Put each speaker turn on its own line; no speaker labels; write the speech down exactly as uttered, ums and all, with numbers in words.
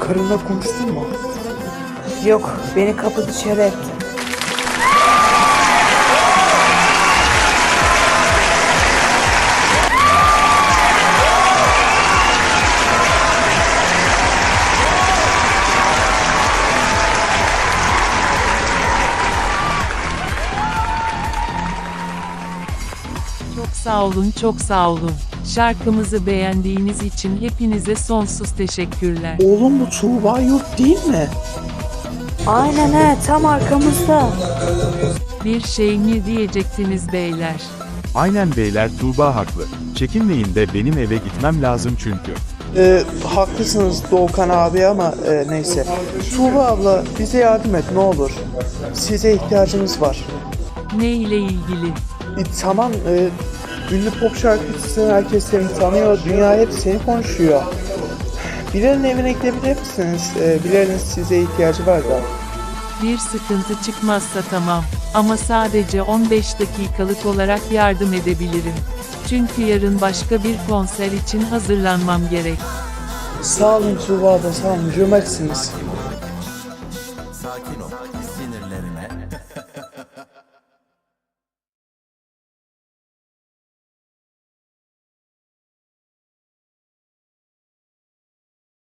Karınla konuştun mu?
Yok, beni kapı dışarı etti.
Çok sağ olun, çok sağ olun. Şarkımızı beğendiğiniz için hepinize sonsuz teşekkürler.
Oğlum bu Tuğba Yurt değil mi?
Aynen he, tam arkamızda.
Bir şey mi diyecektiniz beyler?
Aynen beyler, Tuğba haklı. Çekinmeyin de benim eve gitmem lazım çünkü.
Ee, haklısınız Doğukan abi ama e, neyse. Tuğba abla bize yardım et ne olur. Size ihtiyacımız var.
Ne ile ilgili?
E, tamam e, ünlü pop şarkıcısın, herkes seni tanıyor, dünya hep seni konuşuyor. Bilal'in evine gidebilir misiniz? E, Bilal'in size ihtiyacı var da.
Bir sıkıntı çıkmazsa tamam. Ama sadece on beş dakikalık olarak yardım edebilirim. Çünkü yarın başka bir konser için hazırlanmam gerek.
Sağ olun Tuğba abla, sağ olun, cömertsiniz.